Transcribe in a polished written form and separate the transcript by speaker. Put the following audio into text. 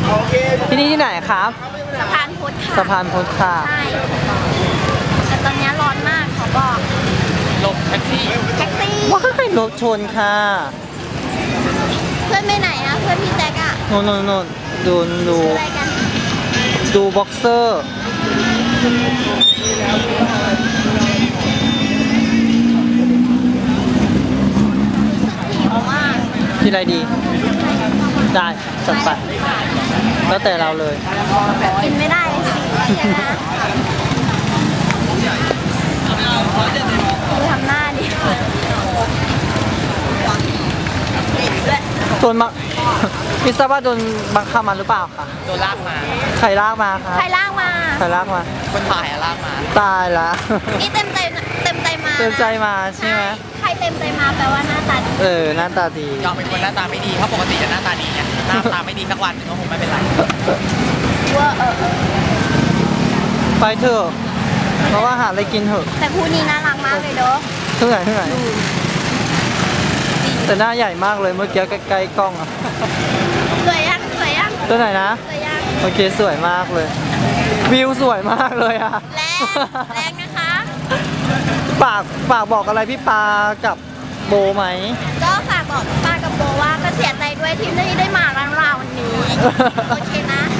Speaker 1: ที่นี่ที่ไหนครับ
Speaker 2: สะพานพุทธค่ะ
Speaker 1: สะพานพุทธค่ะ
Speaker 2: ใช่แต่ตอนนี้ร้อนมากเขาบอก
Speaker 3: หลบแท็กซี่
Speaker 2: แท็กซี่
Speaker 1: ว้ายรถชนค่ะ
Speaker 2: เพื่อนไปไหนอะเพื่อนพี่แจ็คอะ
Speaker 1: โน่นโน่นโน่นดูดู
Speaker 2: ซื้ออะไรกัน
Speaker 1: ดูบ็อกเซอร์
Speaker 2: หิวมาก
Speaker 1: กินอะไรดี ได้จัดไป แล้วแต่เราเลย
Speaker 2: กินไม่ได้เลยสิใช่ไหมดูทำหน้าดิ
Speaker 1: โดนมา พิซซ่าว่าโดนบังคับมาหรือเปล่าคะ
Speaker 3: โดนลากมา
Speaker 1: ใครลากมาคะ
Speaker 2: ใครลากมา
Speaker 1: ใครลากมา
Speaker 3: คนถ่ายอะลากมา
Speaker 1: ตายละ
Speaker 2: นี่เต็มใจมา
Speaker 1: เต็มใจมาใช่ไหม
Speaker 2: ใครเต็มใจมาแปลว่าหน้าตาดี
Speaker 1: หน้าตาดี
Speaker 3: ยอมเป็นคนหน้าตาไม่ดีเพราะปกติจะหน้าตาดีไงหน้าตาไม่ดีสักวันหนึงก็คงไม่เป็นไร
Speaker 2: ว่า
Speaker 1: ไปเถอะ เพราะว่าหาอะไรกินเถอะ
Speaker 2: แต่คู่นี้น่ารักมากเลยเด้อ
Speaker 1: เท่าไหร่แต่หน้าใหญ่มากเลยเมื่อกี้ใกล้ๆกล้องอะ
Speaker 2: สวยยังสวยยัง
Speaker 1: ตัวไหนนะ
Speaker 2: สวยยัง
Speaker 1: โอเคสวยมากเลย วิวสวยมากเลยอะ
Speaker 2: แรงนะคะ
Speaker 1: ฝากบอกอะไรพี่ปากับโบไหม
Speaker 2: ก็ฝากบอกป้ากับโบว่าก็เสียใจด้วยที่ไม่ได้มาร้านเราวันนี้ โอเคนะ